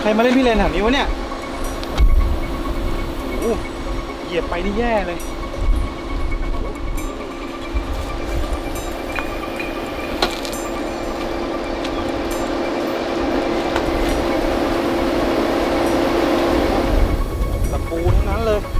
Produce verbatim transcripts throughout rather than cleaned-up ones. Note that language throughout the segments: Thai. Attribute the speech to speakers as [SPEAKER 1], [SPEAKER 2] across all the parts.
[SPEAKER 1] มาเล่นพี่เลนแถวนี้วะเนี่ยโอ้เหยียบไปนี่แย่เลยตะปูทั้งนั้นเลย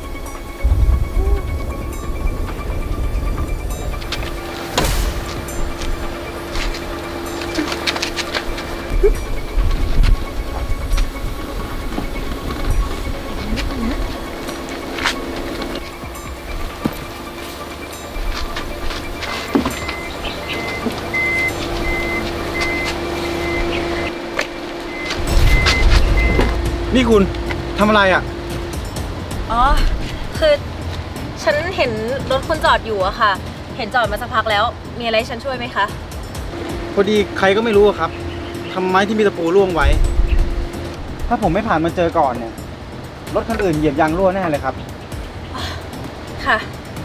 [SPEAKER 1] นี่คุณทำอะไรอ่ะ
[SPEAKER 2] อ๋อคือฉันเห็นรถคุณจอดอยู่อะค่ะเห็นจอดมาสักพักแล้วมีอะไรฉันช่วยไหมคะ
[SPEAKER 1] พอดีใครก็ไม่รู้ครับทำไม้ที่มีตะปูร่วงไว้ ถ้าผมไม่ผ่านมาเจอก่อนเนี่ยรถคันอื่นเหยียบยางรั่วแน่เลยครับ
[SPEAKER 2] ค่ะ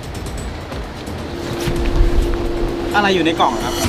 [SPEAKER 1] อะไรอยู่ในกล่องครับ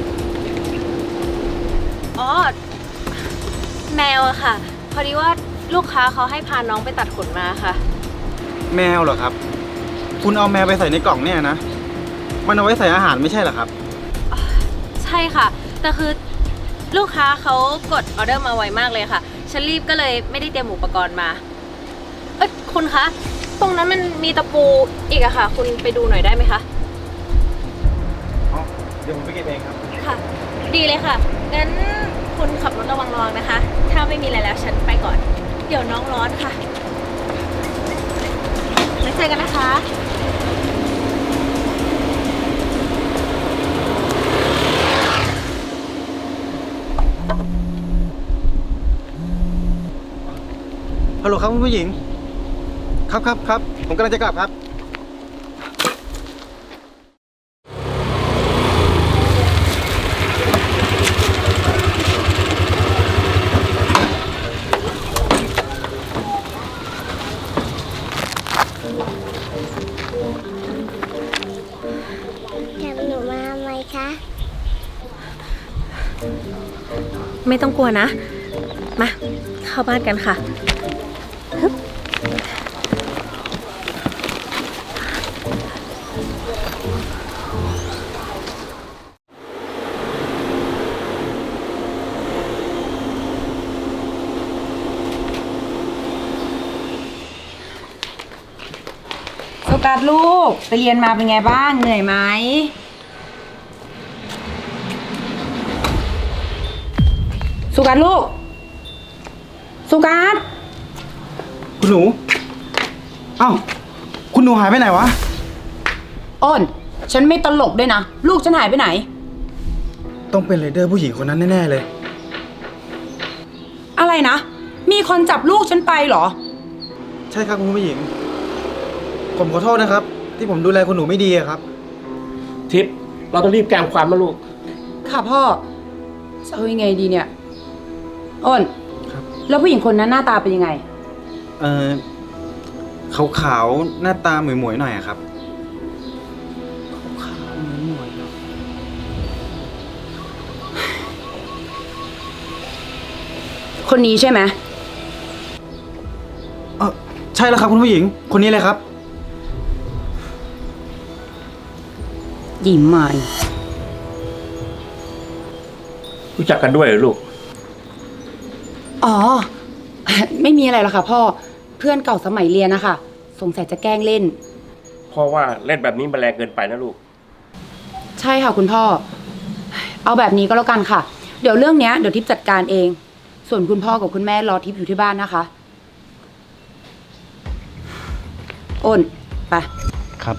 [SPEAKER 2] อ๋อแมวอะค่ะพอดีว่าลูกค้าเขาให้พาน้องไปตัดขนมาค่ะ
[SPEAKER 1] แมวเหรอครับคุณเอาแมวไปใส่ในกล่องเนี่ยนะมันเอาไว้ใส่อาหารไม่ใช่เหรอครับ
[SPEAKER 2] ใช่ค่ะแต่คือลูกค้าเขากดออเดอร์มาไวมากเลยค่ะฉันรีบก็เลยไม่ได้เตรียมอุปกรณ์มาเอ้ยคุณคะตรงนั้นมันมีตะปูอีกอะค่ะคุณไปดูหน่อยได้ไหมคะ
[SPEAKER 1] อ๋อเดี๋ยวผมไปเก็บเองครับ
[SPEAKER 2] ค่ะดีเลยค่ะงั้นคุณขับรถระวังระวังนะคะถ้าไม่มีอะไรแล้วฉันไปก่อนเดี๋ยวน้องร้อนค่ะแล้วเจอกันนะคะ
[SPEAKER 1] ฮัลโหลครับคุณผู้หญิงครับครับครับผมกำลังจะกลับครับ
[SPEAKER 3] จำหนูมาไหมคะ
[SPEAKER 2] ไม่ต้องกลัวนะมาเข้าบ้านกันค่ะ
[SPEAKER 4] โฟกัสลูกไปเรียนมาเป็นไงบ้างเหนื่อยไหมสุกัสลูกสุกัส
[SPEAKER 1] คุณหนูเอ้าคุณหนูหายไปไหนวะ
[SPEAKER 4] อ้นฉันไม่ตลกด้วยนะลูกฉันหายไปไหน
[SPEAKER 1] ต้องเป็นไรเดอร์ผู้หญิงคนนั้นแน่ๆเลย
[SPEAKER 4] อะไรนะมีคนจับลูกฉันไปเหรอ
[SPEAKER 1] ใช่ครับคุณผู้หญิงผมขอโทษนะครับที่ผมดูแลคุณหนูไม่ดีครับ
[SPEAKER 5] ทิพย์เราต้องรีบแจ้งความนะลูก
[SPEAKER 4] ค่ะพ่อจะเอายังไงดีเนี่ยอ้นครับแล้วผู้หญิงคนนั้นหน้าตาเป็นยังไง
[SPEAKER 1] เออขาวๆหน้าตาหมวยๆหน่อยครับขาวๆหมวย
[SPEAKER 4] ๆคนนี้ใช่ไหม
[SPEAKER 1] เออใช่แล้วครับคุณผู้หญิงคนนี้เลยครับ
[SPEAKER 4] ยิ้มใหม่
[SPEAKER 5] รู้จักกันด้วยเหรอลูก
[SPEAKER 4] อ๋อไม่มีอะไรหรอกค่ะพ่อเพื่อนเก่าสมัยเรียนนะคะสงสัยจะแกล้งเล่น
[SPEAKER 5] พ่อว่าเล่นแบบนี้มันแรงเกินไปนะลูก
[SPEAKER 4] ใช่ค่ะคุณพ่อเอาแบบนี้ก็แล้วกันค่ะเดี๋ยวเรื่องเนี้ยเดี๋ยวทิพย์จัดการเองส่วนคุณพ่อกับคุณแม่รอทิพย์อยู่ที่บ้านนะคะอ้นไป
[SPEAKER 1] ครับ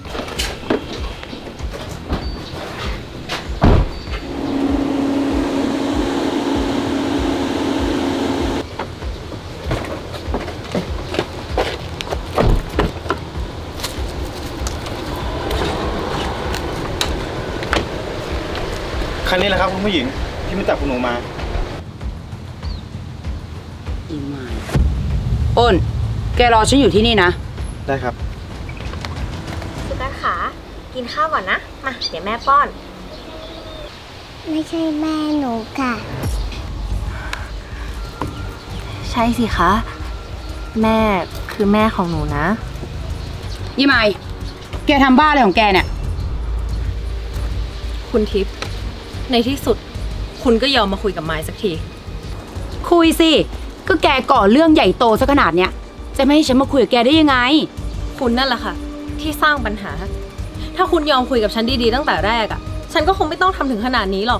[SPEAKER 1] คันนี้แหละครับคุณผู้หญิงที่มาจับคุณหนูมา
[SPEAKER 4] ยิ้มใหม่อ้นแกรอฉันอยู่ที่นี่นะ
[SPEAKER 1] ได้ครับ
[SPEAKER 2] สุกัสขากินข้าวก่อนนะมาเดี๋ยวแม่ป้อน
[SPEAKER 3] ไม่ใช่แม่หนูค่ะ
[SPEAKER 2] ใช่สิคะ แม่คือแม่ของหนูนะ
[SPEAKER 4] ยี่ไมแกทำบ้าอะไรของแกเนี่ย
[SPEAKER 2] คุณทิพย์ในที่สุด คุณก็ยอมมาคุยกับไม้สักที
[SPEAKER 4] คุยสิ ก็แกก่อเรื่องใหญ่โตซะขนาดเนี้ย จะไม่ให้ฉันมาคุยกับแกได้ยังไง
[SPEAKER 2] คุณนั่นแหละค่ะ ที่สร้างปัญหา ถ้าคุณยอมคุยกับฉันดีๆตั้งแต่แรกอะ่ะ ฉันก็คงไม่ต้องทำถึงขนาดนี้หรอก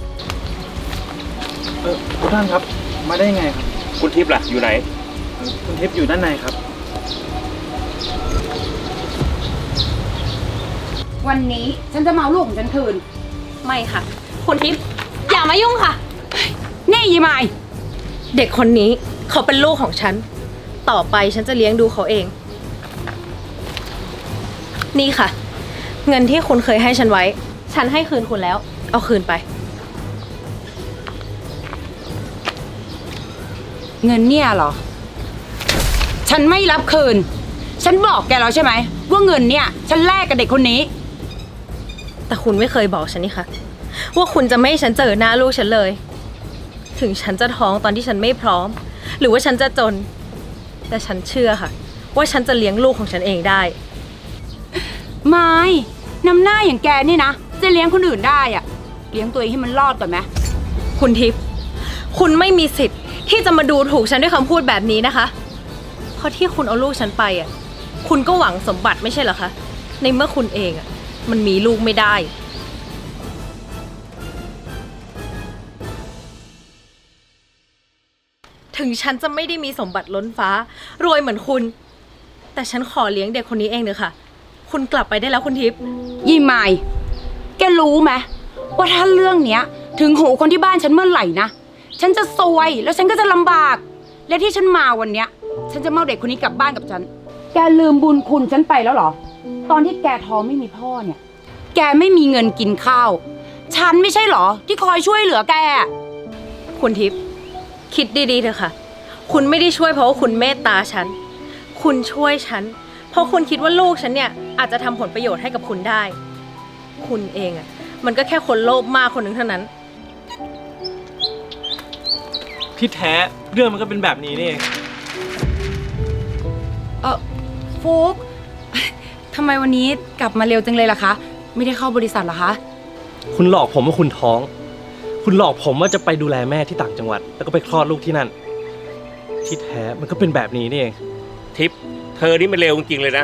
[SPEAKER 1] เออคุณท่านครับ มาได้ยังไงครับ
[SPEAKER 5] คุณทิพย์ล่ะ อยู่ไหน
[SPEAKER 1] เอ่อคุณทิพย์อยู่ด้านในครับ
[SPEAKER 4] วันนี้ฉันจะมาเอาลูกของฉันคืน
[SPEAKER 2] ไม่ค่ะ คุณทิพย์อย่ามายุ่งค่ะ
[SPEAKER 4] นี่ยี่ไม
[SPEAKER 2] เด็กคนนี้เขาเป็นลูกของฉัน ต่อไปฉันจะเลี้ยงดูเขาเอง นี่ค่ะ เงินที่คุณเคยให้ฉันไว้ ฉันให้คืนคุณแล้ว เอาคืนไป
[SPEAKER 4] เงินเนี่ยเหรอ ฉันไม่รับคืน ฉันบอกแกแล้วใช่ไหมว่าเงินเนี่ย ฉันแลกกับเด็กคนนี้
[SPEAKER 2] แต่คุณไม่เคยบอกฉันนี่ค่ะ ว่าคุณจะไม่ให้ฉันเจอหน้าลูกฉันเลย ถึงฉันจะท้องตอนที่ฉันไม่พร้อม หรือว่าฉันจะจน แต่ฉันเชื่อค่ะ ว่าฉันจะเลี้ยงลูกของฉันเองได้
[SPEAKER 4] ไม่น้ำหน้าอย่างแกนี่นะ จะเลี้ยงคนอื่นได้อะเลี้ยงตัวเองให้มันรอดก่อนไหม
[SPEAKER 2] คุณทิพย์คุณไม่มีสิทธิ์ที่จะมาดูถูกฉันด้วยคำพูดแบบนี้นะคะ เพราะที่คุณเอาลูกฉันไปอ่ะ คุณก็หวังสมบัติไม่ใช่เหรอคะ ในเมื่อคุณเองอ่ะ มันมีลูกไม่ได้ ถึงฉันจะไม่ได้มีสมบัติล้นฟ้ารวยเหมือนคุณ แต่ฉันขอเลี้ยงเด็กคนนี้เองเถอะค่ะ คุณกลับไปได้แล้วคุณทิพย์
[SPEAKER 4] ยี่ไมแกรู้ไหมว่าถ้าเรื่องเนี้ย ถึงหูคนที่บ้านฉันเมื่อไหร่นะ ฉันจะซวยแล้วฉันก็จะลำบาก และที่ฉันมาวันเนี้ย ฉันจะมาเอาเด็กคนนี้กลับบ้านกับฉัน แกลืมบุญคุณฉันไปแล้วเหรอ ตอนที่แกท้องไม่มีพ่อเนี่ย แกไม่มีเงินกินข้าว ฉันไม่ใช่เหรอ ที่คอยช่วยเหลือแก
[SPEAKER 2] คุณทิพย์คิดดีๆเถอะค่ะ คุณไม่ได้ช่วยเพราะว่าคุณเมตตาฉัน คุณช่วยฉัน เพราะคุณคิดว่าลูกฉันเนี่ยอาจจะทำผลประโยชน์ให้กับคุณได้ คุณเองอะมันก็แค่คนโลภมากคนหนึ่งเท่านั้น
[SPEAKER 6] ที่แท้เรื่องมันก็เป็นแบบนี้นี่เอง
[SPEAKER 4] เออฟุกทำไมวันนี้กลับมาเร็วจังเลยล่ะคะ ไม่ได้เข้าบริษัทเหรอคะ
[SPEAKER 6] คุณหลอกผมว่าคุณท้อง คุณหลอกผมว่าจะไปดูแลแม่ที่ต่างจังหวัด แล้วก็ไปคลอดลูกที่นั่น ที่แท้มันก็เป็นแบบนี้นี่เอง
[SPEAKER 5] ทิพย์เธอนี่มันเร็วจริงๆเลยนะ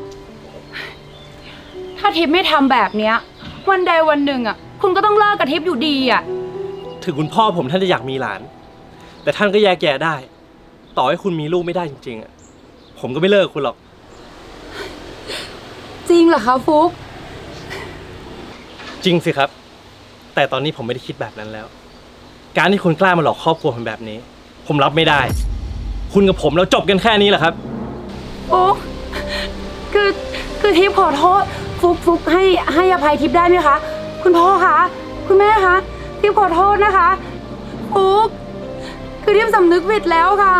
[SPEAKER 4] ถ้าทิพย์ไม่ทำแบบเนี้ย วันใดวันหนึ่งอ่ะ คุณก็ต้องเลิกกับทิพย์อยู่ดีอ่ะ
[SPEAKER 6] ถึงคุณพ่อผมท่านจะอยากมีหลาน แต่ท่านก็แยกแยะได้ ต่อให้คุณมีลูกไม่ได้จริงๆอ่ะ ผมก็ไม่เลิกคุณหรอก
[SPEAKER 4] จริงเหรอคะฟุก
[SPEAKER 6] จริงสิครับ แต่ตอนนี้ผมไม่ได้คิดแบบนั้นแล้ว การที่คุณกล้ามาหลอกครอบครัวผมแบบนี้ ผมรับไม่ได้ คุณกับผมเราจบกันแค่นี้แหละครับ
[SPEAKER 4] ฟุกคือคือทิพย์ขอโทษฟุกฟุกให้ให้อภัยทิพย์ได้ไหมคะ คุณพ่อคะคุณแม่คะทิพย์ขอโทษนะคะฟุกคือทิพย์สำนึกผิดแล้วค่ะ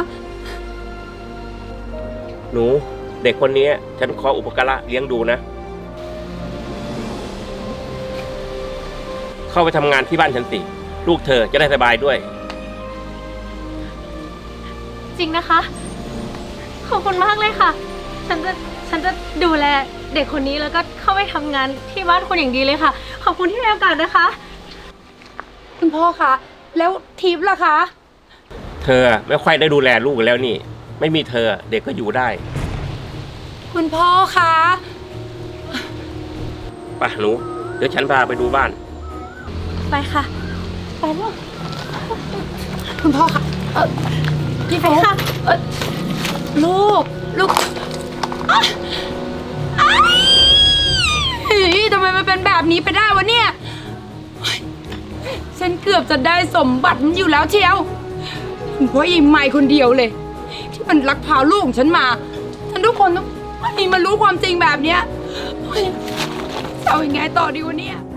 [SPEAKER 5] หนูเด็กคนนี้ฉันขออุปการะเลี้ยงดูนะ เข้าไปทำงานที่บ้านฉันสิ ลูกเธอจะได้สบายด้วย
[SPEAKER 2] จริงนะคะ ขอบคุณมากเลยค่ะ ฉันจะฉันจะดูแลเด็กคนนี้แล้วก็เข้าไปทำงานที่บ้านคุณอย่างดีเลยค่ะ ขอบคุณที่ให้โอกาสนะคะ
[SPEAKER 4] คุณพ่อคะแล้วทิพย์ล่ะคะ
[SPEAKER 5] เธอไม่ค่อยได้ดูแลลูกแล้วนี่ ไม่มีเธอเด็กก็อยู่ได้
[SPEAKER 4] คุณพ่อคะ
[SPEAKER 5] ไปหนูเดี๋ยวฉันพาไปดูบ้าน
[SPEAKER 2] ไปค่ะ ไปลูก
[SPEAKER 4] คุณพ่อคะเออพี่ฟุก
[SPEAKER 2] ค่ะ
[SPEAKER 4] เออลูกลูกอ๊ะอ๊ะเฮ้ยทำไมมันเป็นแบบนี้ไปได้วะเนี่ยเฮ้ยฉันเกือบจะได้สมบัติมันอยู่แล้วเชียวเพราะยิงไม่คนเดียวเลย ที่มันลักพาลูกของฉันมาฉันทุกคนต้องไม่มารู้ความจริงแบบเนี้ยเฮ้ยจะเอายังไงต่อดีวะเนี่ย